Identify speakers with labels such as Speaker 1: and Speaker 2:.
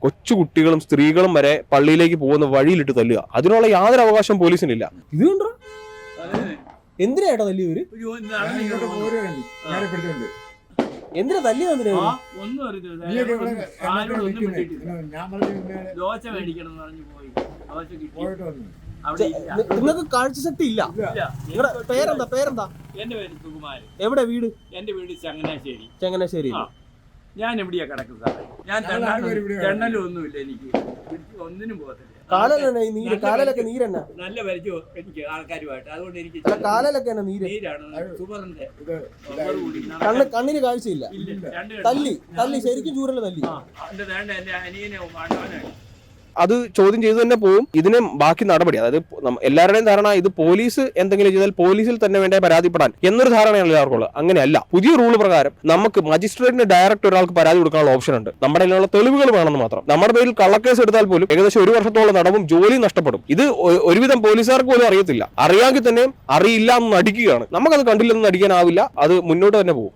Speaker 1: കൊച്ചു കുട്ടികളും സ്ത്രീകളും വരെ പള്ളിയിലേക്ക് പോകുന്ന വഴിയിലിട്ട് തല്ലുക. അതിനുള്ള യാതൊരു അവകാശം പോലീസിനില്ല. ഇത് കണ്ടോ എന്തിനാ ഏട്ടാ തല്ലിയവര്? എന്തിനാ തല്ലി തന്നിട്ട്? നിങ്ങൾക്ക് കാഴ്ചശക്തി ഇല്ല. പേരെന്താ?
Speaker 2: എന്റെ പേര് സുകുമാരൻ.
Speaker 1: എവിടെ വീട്?
Speaker 2: എന്റെ വീട് ചങ്ങനാശ്ശേരി.
Speaker 1: ചങ്ങനാശ്ശേരി.
Speaker 2: ഞാൻ എവിടെയാ കിടക്കും സാറേ? ഞാൻ ജണ്ണലൊന്നുമില്ല, എനിക്ക് ഒന്നിനും പോകത്തില്ല.
Speaker 1: കാലിലൊക്കെ നീരെന്നാ?
Speaker 2: നല്ല പരിചയം എനിക്ക് ആൾക്കാരുമായിട്ട്, അതുകൊണ്ട് എനിക്ക്
Speaker 1: കാലിലൊക്കെ
Speaker 2: നീരാണ്. സുബറിന്റെ
Speaker 1: കണ്ണിന് കാഴ്ചയില്ല. തല്ലി ശരിക്കും ചൂരല് തല്ലി.
Speaker 2: എന്റെ അനിയനെ അണ്ണവനാണ്.
Speaker 1: അത് ചോദ്യം ചെയ്തു തന്നെ പോവും. ഇതിന് ബാക്കി നടപടി, അതായത് എല്ലാവരുടെയും ധാരണ ഇത് പോലീസ് എന്തെങ്കിലും ചെയ്താൽ പോലീസിൽ തന്നെ വേണ്ടേ പരാതിപ്പെടാൻ എന്നൊരു ധാരണയാണ് എല്ലാവർക്കും ഉള്ളത്. അങ്ങനെയല്ല. പുതിയ റൂൾ പ്രകാരം നമുക്ക് മജിസ്ട്രേറ്റിന് ഡയറക്റ്റ് ഒരാൾക്ക് പരാതി കൊടുക്കാനുള്ള ഓപ്ഷൻ ഉണ്ട്. നമ്മുടെ കയ്യിലുള്ള തെളിവുകൾ വേണമെന്ന് മാത്രം. നമ്മുടെ പേരിൽ കള്ളക്കേസ് എടുത്താൽ പോലും ഏകദേശം 1 വർഷത്തോളം തടവും ജോലി നഷ്ടപ്പെടും. ഇത് ഒരുവിധം പോലീസുകാർക്ക് പോലും അറിയത്തില്ല. അറിയാമെങ്കിൽ തന്നെ അറിയില്ല എന്ന് നടിക്കുകയാണ്. നമുക്കത് കണ്ടില്ലെന്ന് നടിക്കാനാവില്ല. അത് മുന്നോട്ട് തന്നെ പോകും.